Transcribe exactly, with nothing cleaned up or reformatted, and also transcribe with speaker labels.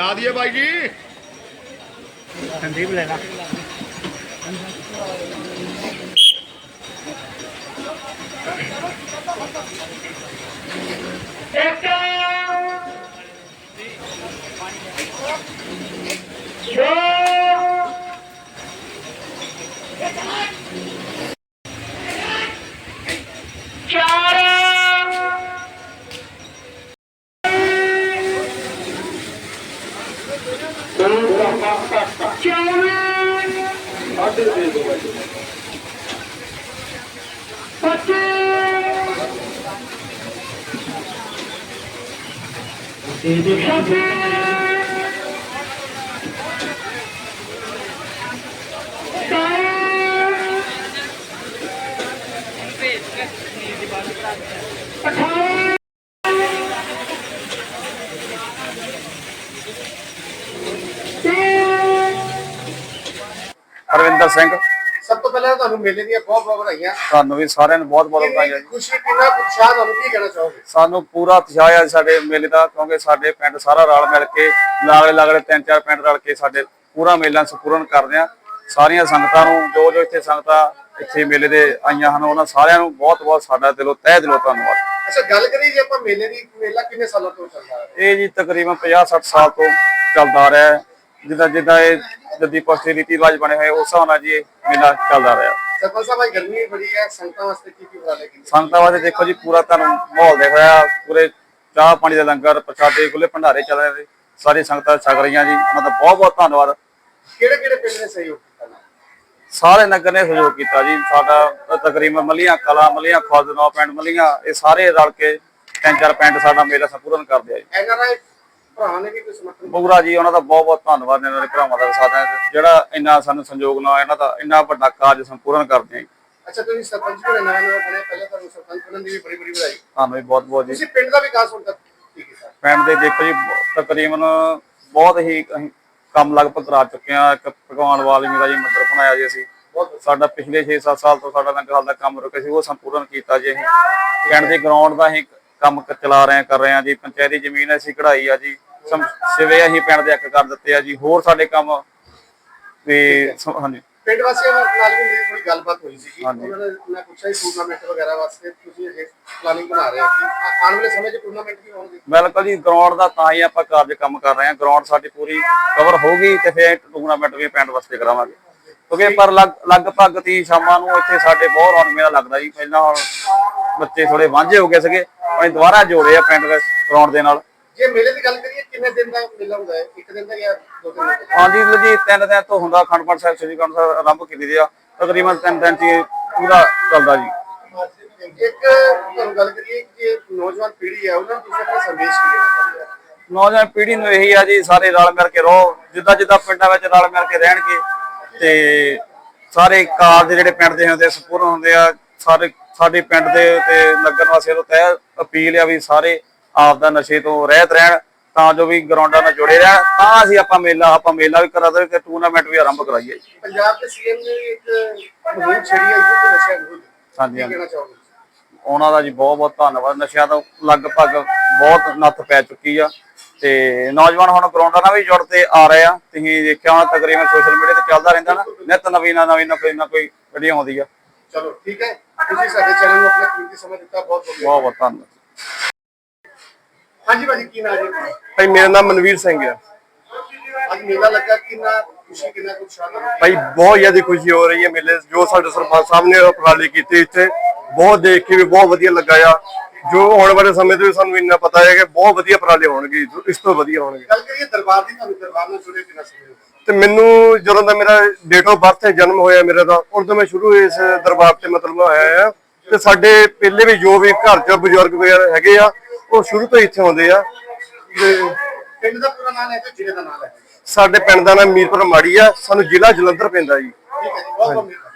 Speaker 1: करा दिए भाई जी।
Speaker 2: संदीप लेना
Speaker 3: हरविंदर सिंह।
Speaker 1: सब तो पहले ਤੁਹਾਨੂੰ ਮੇਲੇ ਦੀਆਂ ਬਹੁਤ ਬਹੁਤ ਵਧਾਈਆਂ।
Speaker 3: ਤੁਹਾਨੂੰ ਵੀ ਸਾਰਿਆਂ ਨੂੰ ਬਹੁਤ ਬਹੁਤ ਵਧਾਈਆਂ ਜੀ।
Speaker 1: ਖੁਸ਼ੀ ਕਿੰਨਾ ਉਤਸ਼ਾਹ ਤੁਹਾਨੂੰ ਕੀ ਕਹਿਣਾ ਚਾਹੋਗੇ?
Speaker 3: ਸਾਨੂੰ ਪੂਰਾ ਉਤਸ਼ਾਹ ਹੈ ਸਾਡੇ ਮੇਲੇ ਦਾ, ਕਿਉਂਕਿ ਸਾਡੇ ਪਿੰਡ ਸਾਰਾ ਰਲ ਮਿਲ ਕੇ ਲਾਗਲੇ ਲਾਗਲੇ ਤਿੰਨ ਚਾਰ ਪਿੰਡ ਰਲ ਕੇ ਸਾਡੇ ਪੂਰਾ ਮੇਲਾ ਸੰਪੂਰਨ ਕਰਦੇ ਆ। ਸਾਰੀਆਂ ਸੰਗਤਾਂ ਨੂੰ ਜੋ ਜੋ ਇੱਥੇ ਸੰਗਤਾਂ ਇੱਥੇ ਮੇਲੇ ਦੇ ਆਈਆਂ ਹਨ ਉਹਨਾਂ ਸਾਰਿਆਂ ਨੂੰ ਬਹੁਤ ਬਹੁਤ ਸਾਡਾ ਦਿਲੋਂ ਤਹਿ ਦਿਲੋਂ ਧੰਨਵਾਦ।
Speaker 1: ਅੱਛਾ, ਗੱਲ ਕਰੀਏ ਜੇ ਆਪਾਂ ਮੇਲੇ ਦੀ, ਮੇਲਾ ਕਿੰਨੇ ਸਾਲਾਂ ਤੋਂ ਚੱਲਦਾ ਹੈ?
Speaker 3: ਇਹ ਜੀ ਤਕਰੀਬਨ ਪੰਜਾਹ ਸੱਠ ਸਾਲ ਤੋਂ ਚੱਲਦਾ ਰਿਹਾ ਹੈ। ਜਿੱਦਾਂ ਜਿੱਦਾਂ ਇਹ ਜੱਦੀ ਪਸ਼ਤੀ ਰੀਤੀ ਰਿਵਾਜ ਬਣੇ ਹੋਏ ਉਸ ਹਿਸਾਬ ਨਾਲ ਜੀ ਇਹ ਮੇਲਾ ਚੱਲਦਾ ਰਿਹਾ।
Speaker 1: ਸਰਪੰਚ ਸਾਹਿਬ, ਗਰਮੀ ਬੜੀ ਹੈ, ਸੰਗਤਾਂ ਵਾਸਤੇ ਕੀ ਕੀ ਉਪਰਾਲੇ ਕੀਤੇ?
Speaker 3: ਸੰਗਤਾਂ ਵਾਸਤੇ ਦੇਖੋ ਜੀ ਪੂਰਾ ਤੁਹਾਨੂੰ ਮਾਹੌਲ ਦੇਖ ਰਿਹਾ, ਪੂਰੇ ਚਾਹ ਪਾਣੀ ਦਾ ਲੰਗਰ, ਪ੍ਰਸ਼ਾਦੇ, ਖੁੱਲੇ ਭੰਡਾਰੇ ਚੱਲ ਰਹੇ, ਸਾਰੀ ਸੰਗਤਾਂ ਛਕ ਰਹੀਆਂ ਜੀ। ਉਹਨਾਂ ਦਾ ਬਹੁਤ ਬਹੁਤ ਧੰਨਵਾਦ।
Speaker 1: ਕਿਹੜੇ ਕਿਹੜੇ ਪਿੰਡ ਨੇ ਸਹਿਯੋਗ ਕੀਤਾ?
Speaker 3: ਸਾਰੇ ਨਗਰ ਨੇ ਸਹਿਯੋਗ ਕੀਤਾ ਜੀ। ਸਾਡਾ ਤਕਰੀਬਨ ਮੱਲੀਆਂ ਕਲਾ, ਮੱਲੀਆਂ ਖੁਰਦ, ਨੌ ਪਿੰਡ ਮੱਲੀਆਂ, ਇਹ ਸਾਰੇ ਰਲ ਕੇ ਤਿੰਨ ਚਾਰ ਪਿੰਡ ਸਾਡਾ ਮੇਲਾ ਸੰਪੂਰਨ ਕਰਦੇ ਆ ਜੀ।
Speaker 1: ਇਹਨਾਂ ਦਾ ਭਰਾ ਨੇ ਵੀ ਕੋਈ ਸਮਰਥਨ
Speaker 3: ਬੁਗਰਾ ਜੀ, ਉਹਨਾਂ ਦਾ ਬਹੁਤ ਬਹੁਤ ਧੰਨਵਾਦ। ਇਹਨਾਂ ਦੇ ਭਰਾਵਾਂ ਦਾ ਸਾਥ ਹੈ ਜਿਹੜਾ ਇੰਨਾ ਸਾਨੂੰ ਸੰਯੋਗ ਨਾਲ ਇਹਨਾਂ ਦਾ ਇੰਨਾ ਵੱਡਾ ਕਾਰਜ ਸੰਪੂਰਨ ਕਰਦੇ ਆ ਜੀ।
Speaker 1: ਅੱਛਾ, ਤੁਸੀਂ ਸਰਪੰਚ ਵੀ ਨਵਾਂ ਨਵਾਂ ਬਣੇ, ਪਹਿਲਾਂ ਤੁਹਾਨੂੰ ਸਰਪੰਚ ਬਣਨ ਦੀ ਵੀ ਬੜੀ ਬੜੀ ਵਧਾਈ।
Speaker 3: ਤੁਹਾਨੂੰ ਵੀ ਬਹੁਤ ਬਹੁਤ ਜੀ।
Speaker 1: ਤੁਸੀਂ ਪਿੰਡ ਦਾ ਵਿਕਾਸ ਹੁਣ ਤੱਕ ਕੀ ਕੀਤਾ?
Speaker 3: ਪਿੰਡ ਦੇ ਦੇਖੋ ਜੀ ਤਕਰੀਬਨ ਬਹੁਤ ਹੀ ਅਸੀਂ ਕੰਮ ਲਗਭਗ ਕਰਾ ਚੁੱਕੇ ਆ। ਇੱਕ ਭਗਵਾਨ ਵਾਲਮੀਕ ਦਾ ਜੀ ਮੰਦਿਰ ਬਣਾਇਆ ਜੀ ਅਸੀਂ। ਸਾਡਾ ਪਿਛਲੇ ਛੇ ਸੱਤ ਸਾਲ ਤੋਂ ਸਾਡਾ ਲੰਗਰ ਹਾਲ ਦਾ ਕੰਮ ਰੁਕਿਆ ਸੀ, ਉਹ ਸੰਪੂਰਨ ਕੀਤਾ ਜੀ। ਅਸੀਂ ਪਿੰਡ ਦੇ ਗਰਾਊਂਡ ਦਾ ਅਸੀਂ ਕੰਮ ਚਲਾ ਰਹੇ ਕਰ ਰਹੇ ਆ ਜੀ। ਪੰਚਾਇਤੀ ਜ਼ਮੀਨ ਅਸੀਂ ਕਢਾਈ ਆ ਜੀ। ਸਿਵੇ ਅਸੀਂ ਪਿੰਡ ਦੇ ਇੱਕ ਕਰ ਦਿੱਤੇ ਆ ਜੀ। ਹੋਰ ਸਾਡੇ ਕੰਮ ਤੇ ਹਾਂਜੀ
Speaker 1: ਪਿੰਡ ਵਾਸੀਆਂ ਨਾਲ ਵੀ ਮੇਰੀ ਥੋੜੀ ਗੱਲਬਾਤ ਹੋਈ ਸੀ। ਉਹਨਾਂ ਨੇ ਮੈਂ ਪੁੱਛਿਆ ਸੀ ਟੂਰਨਾਮੈਂਟ ਵਗੈਰਾ ਵਾਸਤੇ ਤੁਸੀਂ ਇਹ ਪਲਾਨਿੰਗ ਬਣਾ ਰਹੇ ਹੋ ਕਿ ਆਉਣ ਵਾਲੇ ਸਮੇਂ 'ਚ ਟੂਰਨਾਮੈਂਟ ਵੀ ਹੋਣਗੇ?
Speaker 3: ਬਿਲਕੁਲ ਜੀ, ਗਰਾਊਂਡ ਦਾ ਤਾਂ ਹੀ ਆਪਾਂ ਕਾਰਜ ਕੰਮ ਕਰ ਰਹੇ ਹਾਂ। ਗਰਾਊਂਡ ਸਾਡੀ ਪੂਰੀ ਕਵਰ ਹੋਊਗੀ ਤੇ ਫਿਰ ਟੂਰਨਾਮੈਂਟ ਵੀ ਪਿੰਡ ਵਾਸਤੇ ਕਰਾਵਾਂਗੇ। ਕਿਉਂਕਿ ਪਰ ਲਗਭਗ ਤੀ ਸ਼ਾਮਾਂ ਨੂੰ ਇੱਥੇ ਸਾਡੇ ਬਹੁਤ ਰੌਣਕ ਮੇਲਾ ਲੱਗਦਾ ਜੀ। ਪਹਿਲਾਂ ਹੁਣ ਬੱਚੇ ਥੋੜੇ ਵਾਂਝੇ ਹੋ ਗਏ ਸੀਗੇ, ਅਸੀਂ ਦੁਬਾਰਾ ਜੋੜੇ ਆ ਪਿੰਡ ਦੇ ਗਰਾਊਂਡ ਦੇ ਨਾਲ।
Speaker 1: ਜੇ ਮੇਲੇ ਦੀ ਗੱਲ ਕਰੀਏ ਕਿੰਨੇ ਦਿਨ ਦਾ ਮੇਲਾ ਹੁੰਦਾ ਹੈ? ਇੱਕ ਦਿਨ ਦਾ ਜਾਂ ਦੋ ਦਿਨ ਦਾ?
Speaker 3: ਹਾਂਜੀ ਜੀ, ਤਿੰਨ ਦਿਨ ਤੋਂ ਹੁੰਦਾ। ਅਖੰਡ ਪਾਠ ਸਾਹਿਬ, ਸ੍ਰੀ ਅਖੰਡ ਸਾਹਿਬ ਆਰੰਭ ਕੀਤੀ ਦੀ ਆ। ਤਕਰੀਬਨ ਤਿੰਨ ਦਿਨ ਚ ਪੂਰਾ ਚੱਲਦਾ ਜੀ।
Speaker 1: ਇੱਕ ਤੁਹਾਨੂੰ ਗੱਲ ਕਰੀਏ ਕਿ ਨੌਜਵਾਨ ਪੀੜ੍ਹੀ ਹੈ ਉਹਨਾਂ ਨੂੰ ਤੁਸੀਂ ਆਪਣਾ ਸੰਦੇਸ਼ ਕੀ ਦੇਣਾ ਚਾਹੁੰਦੇ ਹੋ?
Speaker 3: ਨੌਜਵਾਨ ਪੀੜ੍ਹੀ ਨੂੰ ਇਹੀ ਆ ਜੀ, ਸਾਰੇ ਰਲ ਮਿਲ ਕੇ ਰਹੋ। ਜਿੱਦਾਂ ਜਿੱਦਾਂ ਪਿੰਡਾਂ ਵਿੱਚ ਰਲ ਮਿਲ ਕੇ ਰਹਿਣਗੇ ਤੇ ਸਾਰੇ ਕਾਰਜ ਜਿਹੜੇ ਪਿੰਡ ਦੇ ਹੁੰਦੇ ਸੰਪੂਰਨ ਹੁੰਦੇ ਆ। ਸਾਰੇ ਸਾਡੇ ਪਿੰਡ ਦੇ ਤੇ ਨਗਰ ਵਾਸੀਆਂ ਨੂੰ ਤਹਿ ਅਪੀਲ ਆ ਵੀ ਸਾਰੇ ਆਪ ਦਾ ਨਸ਼ੇ ਤੋਂ ਰਹਿਤ ਰਹਿਣ, ਤਾਂ ਜੋ ਵੀ ਗਰਾਊਂਡਾਂ ਨਾਲ ਜੁੜੇ ਰਹਿਣ। ਤਾਂ ਅਸੀਂ ਆਪਾਂ ਮੇਲਾ ਆਪਾਂ ਮੇਲਾ ਵੀ ਕਰਾ ਦੇ ਤੇ ਟੂਰਨਾਮੈਂਟ ਵੀ ਆਰੰਭ ਕਰਾਈਏ।
Speaker 1: ਪੰਜਾਬ ਦੇ ਸੀਐਮ ਨੇ ਇੱਕ ਮੁਹਿੰਮ ਛੇੜੀ ਹੈ ਯੁੱਧ ਨਸ਼ਿਆਂ ਵਿਰੁੱਧ,
Speaker 3: ਹਾਂਜੀ
Speaker 1: ਕੀ ਕਹਿਣਾ ਚਾਹੋਗੇ?
Speaker 3: ਉਹਨਾਂ ਦਾ ਜੀ ਬਹੁਤ ਬਹੁਤ ਧੰਨਵਾਦ। ਨਸ਼ਿਆਂ ਤੋਂ ਲਗਭਗ ਬਹੁਤ ਨੱਥ ਪੈ ਚੁੱਕੀ ਆ ਤੇ ਨੌਜਵਾਨ ਹੁਣ ਗਰਾਊਂਡਾਂ ਨਾਲ ਵੀ ਜੁੜਦੇ ਆ ਰਹੇ ਆ। ਤੁਸੀਂ ਦੇਖਿਆ ਹੋਣਾ ਤਕਰੀਬਨ ਸੋਸ਼ਲ ਮੀਡੀਆ ਤੇ ਚੱਲਦਾ ਰਹਿੰਦਾ ਨਾ, ਨਿਤ ਨਵੀਂ ਨਾ ਨਵੀਂ ਨਾ ਕੋਈ ਨਾ ਕੋਈ ਵੀਡੀਓ ਆਉਂਦੀ ਆ।
Speaker 1: ਚਲੋ ਠੀਕ ਹੈ, ਤੁਸੀਂ ਸਾਡੇ ਚੈਨਲ ਨੂੰ ਆਪਣਾ ਕੀਮਤੀ ਸਮਾਂ ਦਿੱਤਾ, ਬਹੁਤ ਬਹੁਤ
Speaker 3: ਬਹੁਤ ਬਹੁਤ ਧੰਨਵਾਦ।
Speaker 1: ਹਾਂਜੀ ਭਾਜੀ, ਕੀ ਨਾਮ ਹੈ
Speaker 4: ਭਾਈ? ਮੇਰਾ ਨਾਮ ਮਨਵੀਰ ਸਿੰਘ ਹੈ।
Speaker 1: ਅੱਜ ਮੇਲਾ ਲੱਗਾ, ਕਿੰਨਾ ਖੁਸ਼ੀ ਕਿੰਨਾ ਉਤਸ਼ਾਹ ਹੈ
Speaker 4: ਭਾਈ? ਬਹੁਤ ਜ਼ਿਆਦਾ ਖੁਸ਼ੀ ਹੋ ਰਹੀ ਹੈ ਮੇਲੇ ਜੋ ਸਾਡੇ ਸਰਪੰਚ ਸਾਹਿਬ ਨੇ ਉਪਰਾਲੇ ਕੀਤੇ ਇੱਥੇ, ਬਹੁਤ ਦੇਖ ਕੇ ਵੀ ਬਹੁਤ ਵਧੀਆ ਲੱਗਾ ਆ। ਜੋ ਆਉਣ ਵਾਲੇ ਸਮੇਂ ਤੇ ਸਾਨੂੰ ਇੰਨਾ ਪਤਾ ਹੈ ਕਿ ਬਹੁਤ ਵਧੀਆ ਉਪਰਾਲੇ ਹੋਣਗੇ, ਇਸ ਤੋਂ ਵਧੀਆ ਹੋਣਗੇ।
Speaker 1: ਗੱਲ ਕਰੀਏ ਦਰਬਾਰ ਦੀ, ਤੁਹਾਨੂੰ ਦਰਬਾਰ ਨਾਲ ਜੁੜੇ ਕਿੰਨਾ ਸਮੇਂ?
Speaker 4: ਤੇ ਮੈਨੂੰ ਜਦੋਂ ਦਾ ਮੇਰਾ ਡੇਟ ਆਫ ਬਰਥ ਹੈ, ਜਨਮ ਹੋਇਆ ਮੇਰਾ ਦਾ, ਉਦੋਂ ਮੈਂ ਸ਼ੁਰੂ ਇਸ ਦਰਬਾਰ ਤੇ ਮਤਲਬ ਆਇਆ ਆ। ਤੇ ਸਾਡੇ ਪਹਿਲੇ ਵੀ ਜੋ ਵੀ ਘਰ ਚ ਬਜ਼ੁਰਗ ਵਗੈਰਾ ਹੈਗੇ ਆ ਉਹ ਸ਼ੁਰੂ ਤੋਂ ਇੱਥੇ ਆਉਂਦੇ ਆ।
Speaker 1: ਪਿੰਡ ਦਾ ਪੂਰਾ ਨਾਮ ਹੈ ਤੇ ਜ਼ਿਲ੍ਹੇ ਦਾ ਨਾਮ ਹੈ?
Speaker 4: ਸਾਡੇ ਪਿੰਡ ਦਾ ਨਾਮ ਮੀਰਪੁਰ ਮਾੜੀ ਆ, ਸਾਨੂੰ ਜ਼ਿਲ੍ਹਾ ਜਲੰਧਰ ਪੈਂਦਾ ਜੀ।
Speaker 1: ਠੀਕ ਹੈ ਜੀ, ਬਹੁਤ ਬਹੁਤ